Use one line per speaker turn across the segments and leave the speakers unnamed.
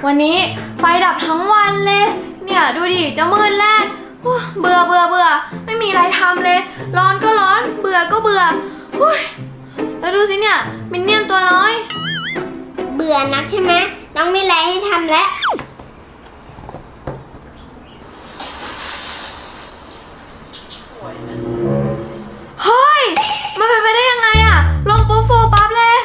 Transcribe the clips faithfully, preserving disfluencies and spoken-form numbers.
วันนี้ไฟดับทั้งวันเลยเนี่ยดูดิจะมืดแล้วเบื่อเบื่อเบื่อไม่มีอะไรทำเลยร้อนก็ร้อนเบื่อก็เบื่อแล้วดูสิเนี่ยมินเนี่ยนตัวน้อย
เบื่อนักใช่ไหมต้องมีอะไรให้ทำแล้ว
เฮ้ยมันเป็นไปได้ยังไงอะลงปุ๊บฟูปั๊บเลย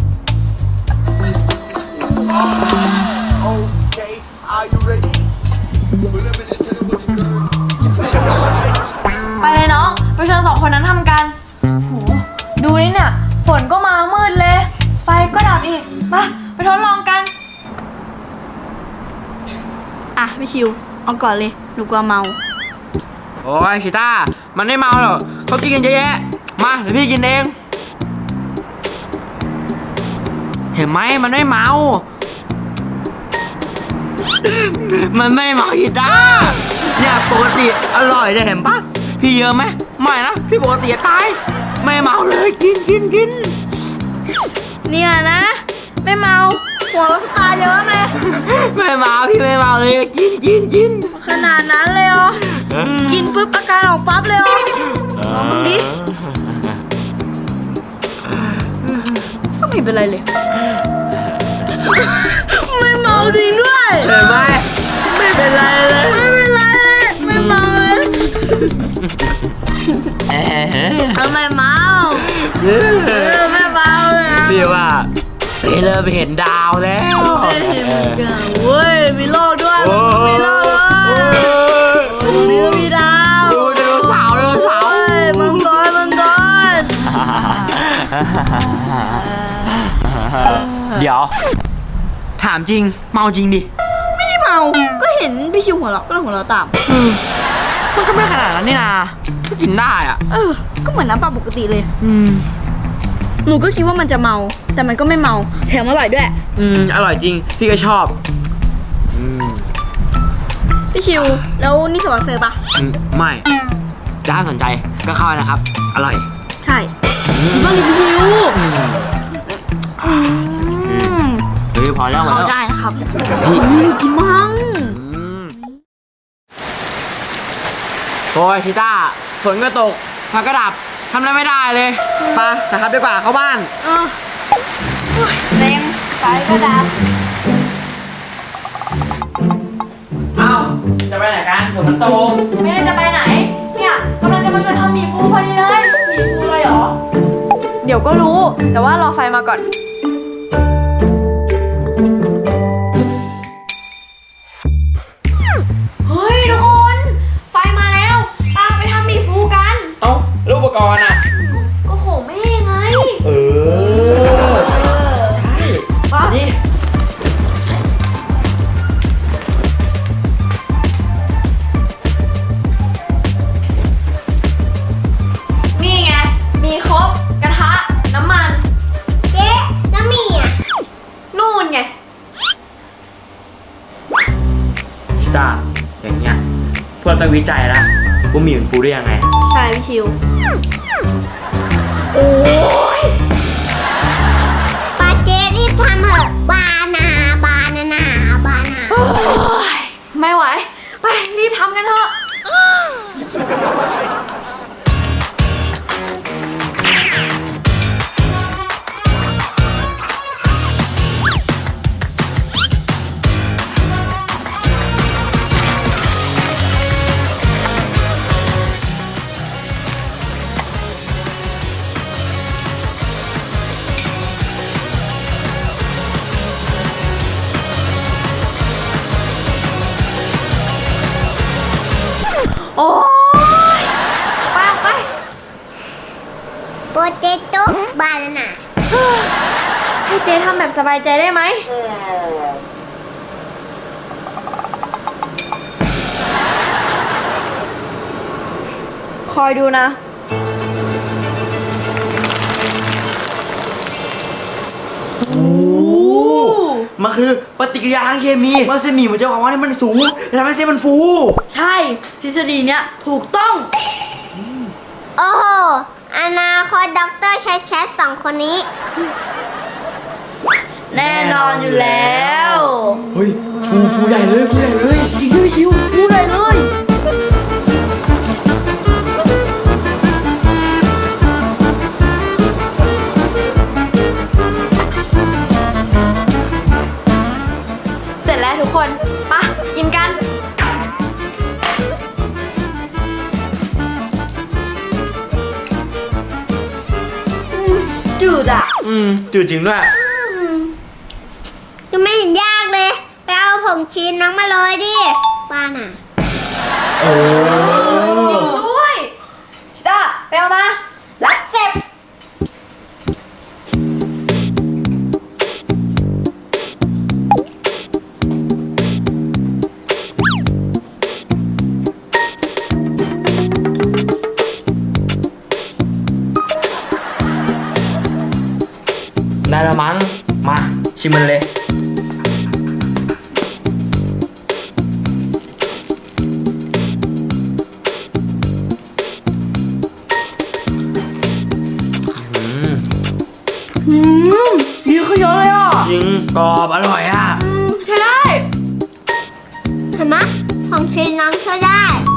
ไปเลยน้องไปชวนสองคนนั้นทำกันโหดูนี่เนี่ยฝนก็มามืดเลยไฟก็ดับอีกมาไปทดลองกัน
อ่ะพี่ชิวเอาก่อนเลยหนูกลัวเมา
โอ้ยชิต้ามันไม่เมาหรอกเขากินกันเยอะแยะมาเดี๋ยวพี่กินเองเห็นไหมมันไม่เมามันไม่เมาชิต้าเนี่ยปกติอร่อยเลยเห็นปะพี่เยอะไหมไม่นะพี่ปกติตายไม่เมาเลยกินกินกิน
เนี่ยนะไม่เมาหัวเราตาเยอะเลย
ไม่เมาพี่ไม่เมาเลยกินกินกิน
ขนาดนั้นเลยเหรอกินปุ๊บอาการออกปั๊บเลยเหรอลองมึงดิก็ไม่เป็นไรเลยไม่เมาจริงด้วย
เห็นไหมไม่เป็นไรเลย
ไม่เป็นไรเลยไม่เมาเลยทำไมเมาเออไม่เมาเลย
พี่ว่าพี่เริ่มเห็นดาวแล้ว
เห็นกันเว้ยมีโลกด้วยมีโลกด้วยเนื้อมีดาว
ดูไดโนเสาร์ไดโนเสาร์
มังกรมังกร
เดี๋ยวถามจริงเมาจริงดิ
ไม่ได้เมาก็เห็นพี่ชิวหัวเราะก็เลยหัวเราะตาม
มันก็ไม่ขนาดนั้นนี่นาก็กินได้อ่ะ
เออก็เหมือนน้ำเปล่าปกติเลยอืมหนูก็คิดว่ามันจะเมาแต่มันก็ไม่เมาแถมอร่อยด้วย
อืมอร่อยจริงพี่ก็ชอบอืม
พี่ชิวแล้วนี่สปอนเซอร์ปะ
ไม่ถ้าสนใจก็เข้านะครับอร่อย
ใช่กินบ้างดิพี่ชิว
เฮ้ยพอแล้ว
เข้าได้นะครับกินมั่ง
โอ้ยชิต้าฝนก็ตกไฟก็ดับทำอะไรไม่ได้เลยไปนะครับดีกว่าเข้าบ้าน
เออแรงไฟก็ดับ
เอ้าจะไปไหนกันฝนมันตก
ไม่ได้จะไปไหนเนี่ยกำลังจะมาชวนทำหมี่ฟูพอดีเลยหมี่ฟูเลยเหรอเดี๋ยวก็รู้แต่ว่ารอไฟมาก่อนเฮ้ยทุกคนไฟมาแล้วตามไปทำหมี่ฟูกัน
เอ้ารูปอุปกรณ์อ่ะ
ก็โหแม่ไง
เออใช่ป่ะนี่
นี่ไงมีครบกระทะน้ำมัน
เจ๊แล้วมีอ่ะ
นู่นไง
ชิต้าอย่างเงี้ยพวกต้องวิจัยแล้วว่าหมี่มันฟูได้ยังไง
ใช่พี่ชิว
โอ้ยป้าเจ๊รีบทำเถอะบานาบานานาบานา
ไม่ไหวไปรีบทำกันเถอะโอ้ยไปไป
โปเตโต้บานานา
ให้เจ๊ทำแบบสบายใจได้ไหมคอยดูนะ
โอ้มันคือปฏิกิริยาทางเคมีว่าเส้นหมี่มันจะความว่านี่มันสูงทำให้เส้นมันฟู
ใช่ทฤษฎีเนี้ยถูกต้อง
โอ้โหอนาคตด็อกเตอร์ชัดชัดสองคนนี้
แน่นอนอยู่แล้ว
เฮ้ยฟูฟูใหญ่เลยฟูใหญ่เลยจริงด้วยชิวฟูใหญ่เลย
เสร็จแล้วทุกคนไปะกินกันอืมจืดอ่ะ
อืมจืดจริงด้วย
ยังไม่เห็นยากเลย ไปเอาผงชีสน้องมาเลยดิป้าน่ะ
โอ้
จริงด้วยชิต้าไปเอามา รับเสร็จ
ได้แล้วมั้งมาชิมมันเลย อืม
อืมดีขึ้นเยอะเลยอ่ะ
จริงกรอบอร่อยอ่ะ
อืมใช่ได้
เห็นไหมผงชีสน้องช่วยได้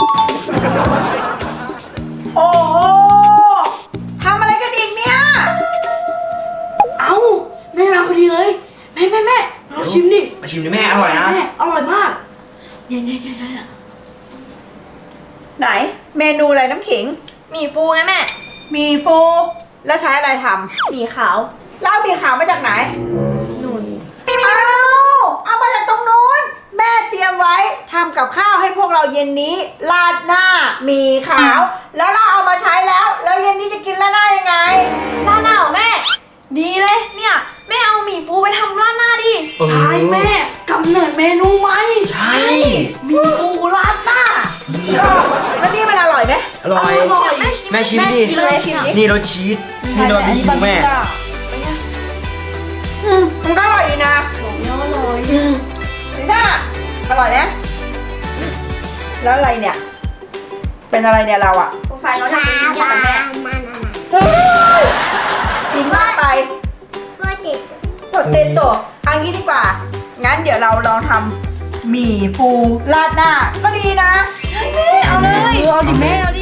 โอ้โหทำอะไรกันอีกเนี่ย
เอ้าแม่มาพอดีเลยแม่แม่แม่ลองชิมดิ
มาชิมดิแม่อร่อยนะ
แม่อร่อยมากเนี่ยเนี่ยเนี่ยเนี่ย
ไหนเมนูอะไรน้ำขิง
หมี่ฟูไงแม่
มีฟูแล้วใช้อะไรท
หมี่ขาว
ำแล้วเอาหมีขาวมาจากไหน
นุ่น
เอาเอามาจากตรงนู้น แม่เตรียมไว้ทำกับข้าวให้พวกเราเย็นนี้ราดหน้าหมีขาว แล้วเราเอามาใช้แล้ว แล้วเย็นนี้จะกินราดหน้ายังไง
ราดหน้าเหรอแม่ ดีเลยเนี่ยแม่เอาหมี่ฟูไปทำราดหน้าดิ
เออ
ใช่แม่กำเนิดเมนูไหม
ใช่
หมี่ฟูราดหน้า
แล้วนี่มันอร่อยไหม
อร่อย
อร่อยแม่
แม่ชิมดิ
กินเลยชิมดิ
นี่รสชีสนี่รสชีสของแม่
อืมมันก็อร่อยดีนะ
บอกเนี่ยอร่อย
ลิซ่าอร่อยนะแล้วอะไรเนี่ย เป็นอะไรเนี่ยเราอะ
สงสัยเราอยาก
มา
กินเดียว
บ้า
กับแม่
มาน่ะ
เฮ้ยกินมากไป
ก็ติด
หมดเต็มตัวเอางี้ดีกว่า งั้นเดี๋ยวเราลองทำหมี่ฟูราดหน้า ก็ดีนะ
ใช่แม่เอาเลย
เอาดิแม่เอาดิ